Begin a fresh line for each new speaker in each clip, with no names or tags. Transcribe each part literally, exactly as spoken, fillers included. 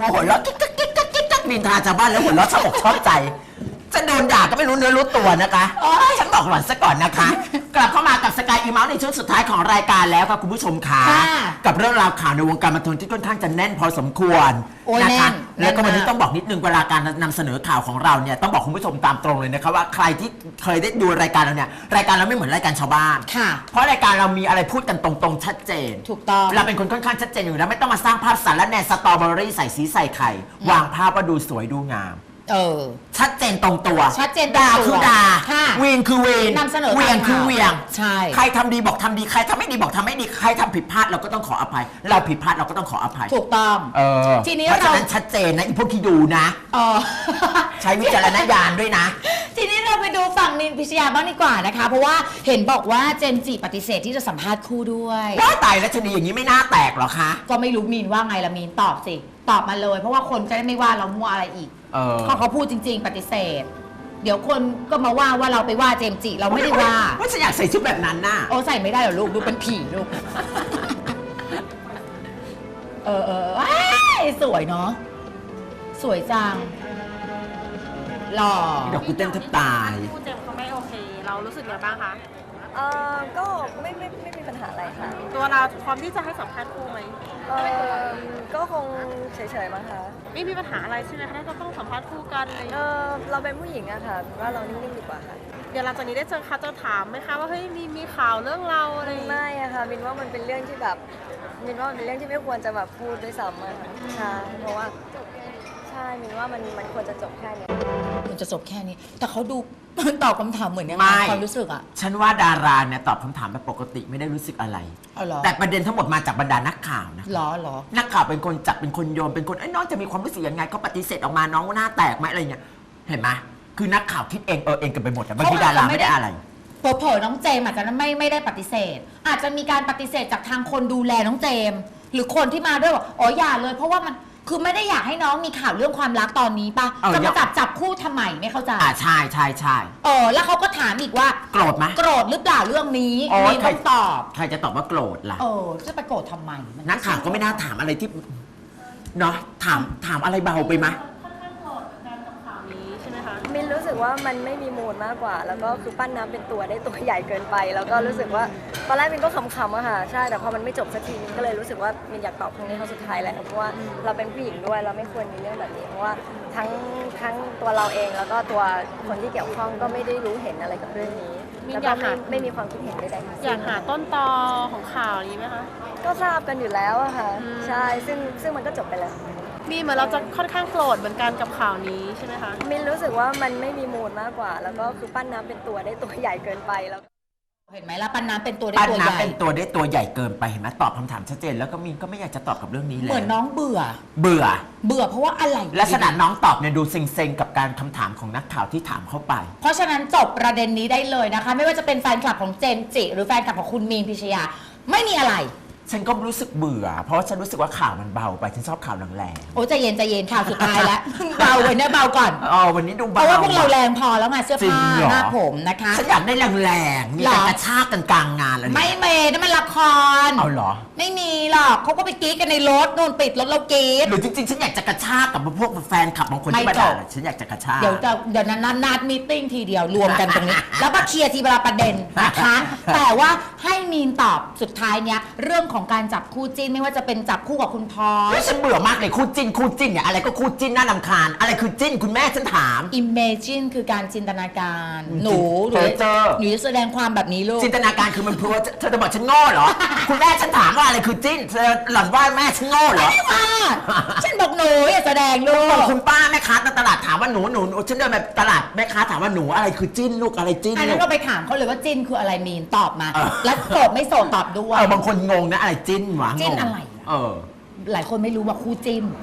มาหัวเราะกิ๊กกิ๊กกิ๊กกิ๊กกิ๊กนินทาชาวบ้านแล้วหัวเราะชอบอกชอบใจจะโดนด่าก็ไม่รู้เนื้อรู้ตัวนะคะฉันบอกหล่อนซะก่อนนะคะ กลับเข้ามากับสกายอีเมาส์ในช่วงสุดท้ายของรายการแล้วค่ะคุณผู้ชมค่ะกับเรื่องราวข่าวในวงการบันเทิงที่ค่อนข้างจะแน่นพอสมควรนะคะแล้วก็วันนี้ต้องบอกนิดนึงเวลาการนำเสนอข่าวของเราเนี่ยต้องบอกคุณผู้ชมตามตรงเลยนะคะว่าใครที่เคยได้ดูรายการเราเนี่ยรายการเราไม่เหมือนรายการชาวบ้านเพราะรายการเรามีอะไรพูดกันตรงๆชัดเจน
ถูกต้อง
เราเป็นคนค่อนข้างชัดเจนอยู่แล้วไม่ต้องมาสร้างภาพสารและแนสตรอเบอรี่ใส่สีใส่ไข่วางภาพว่าดูสวยดูงาม
เออ
ชัดเจนตรงตัว
ชัดเจน
ด่าคือด่าเวียนคือเวียน
นำเสนอ
เวียงคือเวียง
ใช่
ใครทำดีบอกทำดีใครทำไม่ดีบอกทำไม่ดีใครทำผิดพลาดเราก็ต้องขออภัยเราผิดพลาดเราก็ต้องขออภัย
ถูกต้อง
เออ
ทีนี้
เพราะฉะนั้นชัดเจนนะอีพวกที่ดูนะ
เออ
ใช้วิจารณญาณด้วยนะ
ทีนี้เราไปดูฝั่งนินพิชยาบ้างดีกว่านะคะเพราะว่าเห็นบอกว่าเจมส์จิปฏิเสธที่จะสัมภาษณ์คู่ด้วย
ว่าตายแล้วชนีอย่างนี้ไม่น่าแตกหรอคะ
ก็ไม่รู้มีนว่าไงละมีนตอบสิตอบมาเลยเพราะว่าคนจะได้ไม่ว่าเรามั่วอะไรอีกเขาเขาพูดจริงๆปฏิเสธเดี๋ยวคนก็มาว่าว่าเราไปว่าเจมส์จิเราไม่ได้ว่า
ว่าฉันอยากใส่ชุดแบบนั้นน่ะ
โอ้ใส่ไม่ได้หรอลูกดูเป็นผีลูกเออเออสวยเนาะสวยจังหล่อ
เดี๋ยวกูเต้นแทบตาย
คู่เจมเขาไม่โอเคเรารู้สึกยังไงบ้างคะ
เออก็ไม่ไม่ไม่มีปัญหาอะไรค่ะ
ตัวเราพร้อมที่จะให้สัมภาษณ์คู่ไหม
เออก็คงเฉยๆมั้งคะ
ไม่มีปัญหาอะไรใช่ไหมคะถ้าจะต้องสัมภาษณ์คู่กันอะไร
เออเราเป็นผู้หญิงอะค่ะว่าเรานิ่งๆดีกว่าค่ะ
เดี๋ยวหลังจากนี้ได้เจอเขาจะถามไหมคะว่าเฮ้ยมีมีข่าวเรื่องเราอะไร
ไม่อะค่ะบินว่ามันเป็นเรื่องที่แบบบินว่ามันเป็นเรื่องที่ไม่ควรจะแบบพูดด้วยซ้ำอะค่ะใช่เพราะว่าใช่มินว่ามันมันควรจะจบแค่นี้
มันจะจบแค่นี้แต่เขาดูตอบคำถามเหมือนยังไงความรู้สึกอะ
ฉันว่าดาราเนี่ยตอบคำถามแบบปกติไม่ได้รู้สึกอะไรแต่ประเด็นทั้งหมดมาจากบรรดานักข่าวนะ
หรอหรอ
นักข่าวเป็นคนจับเป็นคนโยนเป็นคนไอ้น้องจะมีความรู้สึกยังไงเขาปฏิเสธออกมาน้องหน้าแตกไหมอะไรเงี้ยเห็นไหมคือนักข่าวคิดเองเออเองกันไปหมดแต่บางทีดาราไม่ได้อะไร
เผลอๆน้องเจมอาจจะไม่ไม่ได้ปฏิเสธอาจจะมีการปฏิเสธจากทางคนดูแลน้องเจมหรือคนที่มาด้วยว่าอ๋ออย่าเลยเพราะว่ามันคือไม่ได้อยากให้น้องมีข่าวเรื่องความรักตอนนี้ป่ะจะมาจับจับคู่ทำไมไม่เข้าใจ
อ่าใช่ใช่ใช่
เออแล้วเขาก็ถามอีกว่า
โกรธไหม
โกรธหรือเปล่าเรื่องนี้มีคำตอบ
ใครจะตอบว่าโกรธล่ะ
เออจะไปโกรธทำไม
นักข่าวก็ไม่น่าถามอะไรที่เนาะถามถามอะไรเบาไปไหม
มินรู้สึกว่ามันไม่มีมูลมากกว่าแล้วก็คือปั้นน้ำเป็นตัวได้ตัวใหญ่เกินไปแล้วก็รู้สึกว่าตอนแรกมินก็ขำๆอะค่ะใช่แต่พอมันไม่จบสักทีมินก็เลยรู้สึกว่ามินอยากตอบครั้งนี้ครั้งสุดท้ายแล้วเพราะว่าเราเป็นผู้หญิงด้วยเราไม่ควรมีเรื่องแบบนี้เพราะว่าทั้งทั้งตัวเราเองแล้วก็ตัวคนที่เกี่ยวข้องก็ไม่ได้รู้เห็นอะไรกับเรื่องนี้แล้วก็ไม่ไม่มีความคิดเห็นใดๆ
อยากหาต้นตอของข่าวนี้ไหมคะ
ก็ทราบกันอยู่แล้วอะค่ะใช่ซึ่งซึ่งมันก็จบไปแล้ว
มีเหมือนเราจะค่อนข้างโกรธเหมือนกันกับข่าวนี้ใช่ไหมคะ
มินรู้สึกว่ามันไม่มีมูลมากกว่าแล้วก็คือปั้นน้ำเป็นตัวได้ตัวใหญ่เกินไปแล้ว
เห็นไหมล่ะปั้นน้ำเป็นตัวได้
ตัวใหญ่ปั้นน้ำเป็นตัวได้ตัวใหญ่เกินไปเห็นไหมตอบคำถามชัดเจนแล้วก็มินก็ไม่อยากจะตอบกับเรื่องนี้เลย
เหมือนน้องเบื่อ
เบื่อ
เบื่อเพราะว่าอะไร
ลักษณะน้องตอบเนี่ยดูเซ็งๆกับการคำถามของนักข่าวที่ถามเข้าไป
เพราะฉะนั้นจบประเด็นนี้ได้เลยนะคะไม่ว่าจะเป็นแฟนคลับของเจมส์จิหรือแฟนคลับของคุณมีนพิชยาไม่มีอะไร
ฉันก็รู้สึกเบื่อเพราะฉันรู้สึกว่าข่าวมันเบาไปฉันชอบข่าวแรง
ๆโอ้ใจเย็นใจเย็นข่าวสุดท้ายแล้วเบาเลยนะเบาก่อน
อ๋อวันนี้ดูเบา
เพราะว่าพวกเราแรงพอแล้วไงเสื้อผ้าหน้าผมนะคะ
ฉันอยากได้แรงๆมีแต่กระชากกันกลางงานอะไร
ไม่เมย์นั่นมันละคร
เอาเหรอ
ไม่มีหรอกเขาก็ไปกรี๊ดกันในรถโดนปิดรถเรากรี๊ด
หรือจริงๆฉันอยากจะกระชากกับพวกแฟนคลับบางคนที่มาด่าฉันอยากจะกระชาก
เดี๋ยวจะเดี๋ยวนั้นนัดมีติ้งทีเดียวรวมกันตรงนี้แล้วมาเคลียร์ทีเวลาประเด็นนะคะแต่ว่าให้มีนตอบสุดท้ายเนี้ยเรื่องของการจับคู่จิ้นไม่ว่าจะเป็นจับคู่กับคุณพร
ฉันเบื่อมากเลยคู่จิ้นคู่จิ้นเนี่ยอะไรก็คู่จิ้นน่ารำคาญอะไรคือจิ้นคุณแม่ฉันถาม
Imagine คือการจินตนาการหนูหนูหนูจะแสดงความแบบนี้ลูก
จินตนาการคือมันพูดเธอจะบอกฉันโง่เหรอคุณแม่ฉันถามว่าอะไรคือจิ้นเธอหล่อนว่าแม่ฉันโง่เหรอ
ไม่ว่าฉันบอกหนูอย่าแสดงลูก
คุณป้าแม่ค้าตลาดถามว่าหนูหนูฉันเดินไปตลาดแม่ค้าถามว่าหนูอะไรคือจิ้นลูกอะไรจิ้น
อันนั้นเราไปถามเขาเลยว่าจิ้นคืออะไรมีนตอบมาแล้วโสดไม่โสดตอบด้วย
เออบางคนงงนะอะไรจิ้นวะ
จิ้นอะไร
เออ
หลายคนไม่รู้ว่าคู่จิ้น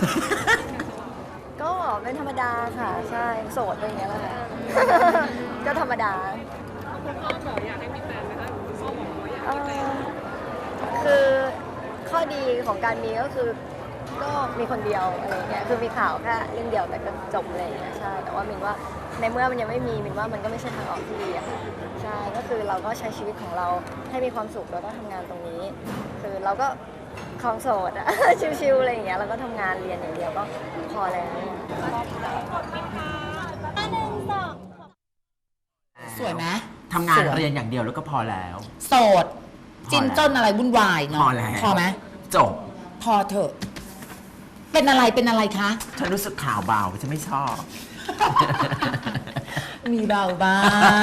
ก็เป็นธรรมดาค่ะใช่โสดอะไรอย่างเงี้ยแหละก็ธรรมดา
คุณพ่อบอกอยากให้มีแฟนไหมคะคุณพ่อบอกว่าอยากมีแฟน
คือข้อดีของการมีก็คือก็มีคนเดียวอะไรเงี้ยคือมีข่าวแค่เรื่องเดียวแต่ก็จบอะไรเงี้ยใช่แต่ว่ามินว่าในเมื่อมันยังไม่มีมินว่ามันก็ไม่ใช่ทางออกที่ดีอะค่ะใช่ก็คือเราก็ใช้ชีวิตของเราให้มีความสุขแล้วก็ทำงานตรงนี้คือเราก็ของโสดอะ ชิวๆอะไรอย่างเงี้ยแล้วก็ทำงานเรียนอย่างเดียวก็พอแล้ว
สวยไหม
ทำงาน
สวย
เรียนอย่างเดียวแล้วก็พอแล้ว
โสด จินจนอะไรวุ่นวายเนาะ
พอแล้ว
พอไหม
จบ
พอเถอะ เป็นอะไรเป็นอะไรคะ
ฉันรู้สึกข่าวเบาฉันไม่ชอบ
มีเบาบ้าง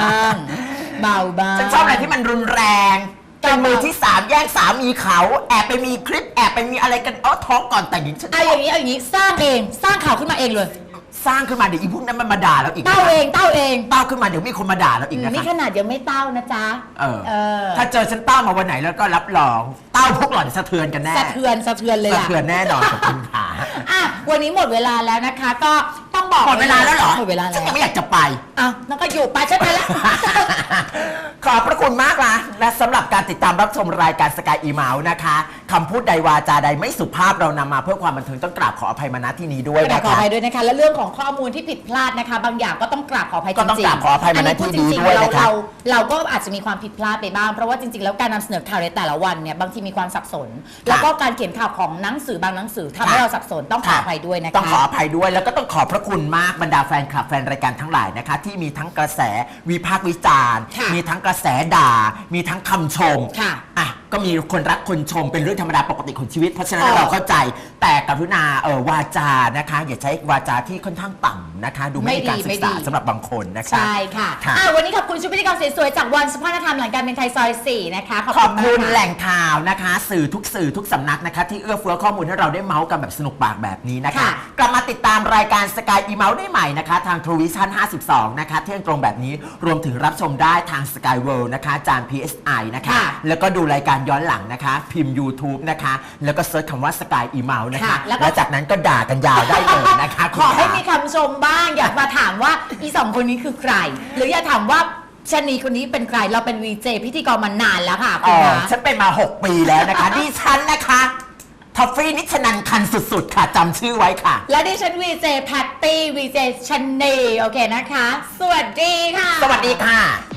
เบาบ้าง
ฉันชอบอะไรที่มันรุนแรงเป็นมือที่สามแย่งสามีเขาแอบไปมีคลิปแอบไปมีอะไรกันเอ้อท้องก่อนแต่งหญิงฉัน
เอาอย่างนี้เอาอย่างนี้สร้างเองสร้างข่าวขึ้นมาเองเลย
สร้างขึ้นมาเดี๋ยวอีพวกนั้นมันมาด่าเราอีกนะ
เต้าเองเต้าเอง
เต้าขึ้นมาเดี๋ยวมีคนมาด่าเราอีกนะ
นี่
คะ
ขนาดยังไม่เต้านะจ๊ะ
เออ
เออ
ถ้าเจอฉันเต้ามาวันไหนแล้วก็รับรองเต้าพวกหล่อนสะเทือนกันแน่
สะเทือนสะเทือนเลย
สะ
ล่ะ
เทือนแน่นอนกับคุณขา
อ่ะวันนี้หมดเวลาแล้วนะคะ ก็ต้องบอก
หมดเวลาแล้วเหรอ
หมดเวลาแล้
ฉัน
ว
ยังไม่อยากจะไป
อ้าวนั่นก็อยู่ไปฉันไปแล้ว
ขอบพระคุณมากนะและสำหรับการติดตามรับชมรายการสกายอีเมาส์นะคะคำพูดใดวาจาใดไม่สุภาพเรานำมาเพื่อความบันเทิงต้องกราบขออภัยมาณที่นี้ด้วย
กรา
นะ
บขอ
คะ
อภัยด้วยนะคะ และเรื่องของข้อมูลที่ผิดพลาดนะคะ บางอย่างก็ต้องกราบขออภัยจริงๆ
ก็ต้องกราบขออภัยมาณที่นี้ด้วย
เรา
นะคะ
เราเราก็อาจจะมีความผิดพลาดไปบ้าง เพราะว่าจริงๆ แล้วการนำเสนอข่าวในแต่ละวันเนี่ยบางทีมีความสับสน แล้วก็การเขียนข่าวของหนังสือบางหนังสือทำให้เราสับสนต้องขออภัยด้วยนะคะ
ต้องขออภัยด้วยแล้วก็ต้องขอบพระคุณมากบรรดาแฟนคลับแฟนรายการทั้งหลายนะคะ ที่มีทั้งกระแสวิพากษ์วิจารณ์
ค่ะ
มีทั้งกระแสด่า มีทั้งคำชม
ค่ะ
อ่ะก็มีคนรักคนชมเป็นเรื่องธรรมดาปกติของชีวิตเพราะฉะนั้น
อ๋อ
เราเข้าใจแต่กรุณาเออวาจานะคะ อย่าใช้วาจาที่ค่อนข้างต่ำนะคะ ดูไม่มีการศึกษาสำหรับบางคนนะคะ
ใช่ค่ะ
ค่ะ
อ่ะ วันนี้ขอบคุณชุดพิธีกรสวยๆจากวันสุภาพธรรมหลังการเป็นไทยซอยสี่นะคะ ขอบ
ข
คุ
อบ
ณมาก
คุณ
ค่ะ
แหล่งข่าวนะคะ สื่อทุกสื่อทุกสำนักนะคะ ที่เอื้อเฟื้อข้อมูลให้เราได้เมาส์กันแบบสนุกปากแบบนี้นะคะ
ค่ะ
กลับมาติดตามรายการสกายอีเมาส์ได้ใหม่นะคะ ทาง True Vision ห้าสิบสองนะคะเที่ยงตรงแบบนี้รวมถึงรับชมได้ทาง Sky World นะคะจาน พี เอส ไอ นะคะ
ค่ะ
แล้วก็ดูรายการย้อนหลังนะคะ พิมพ์ YouTube นะคะ แล้วก็เซิร์ชคำว่าสกายอีเมาส์นะคะ
ค่ะแล้วก็
แล้วจากนั้นก็ด่ากันยาวได้เลยนะคะ
ขอให้
คุณ
มีคำชมบ้าง อยากมาถามว่าอีสองคนนี้คือใคร หรืออยากถามว่าชะนีคนนี้เป็นใคร เราเป็นวีเจพิธีกรมานานแล้วค่ะคุ
อ๋
ณ
อ
คะ
ฉันเป็นมา หก ปีแล้วนะคะ ดิฉันนะคะทอฟฟี่นิชนันคันสุดๆ ค่ะจำชื่อไว้ค่ะ
และดิฉันวีเจแพตตี้วีเจชะนีโอเคนะคะ สวัสดีค่ะ
สวัสดีค่ะ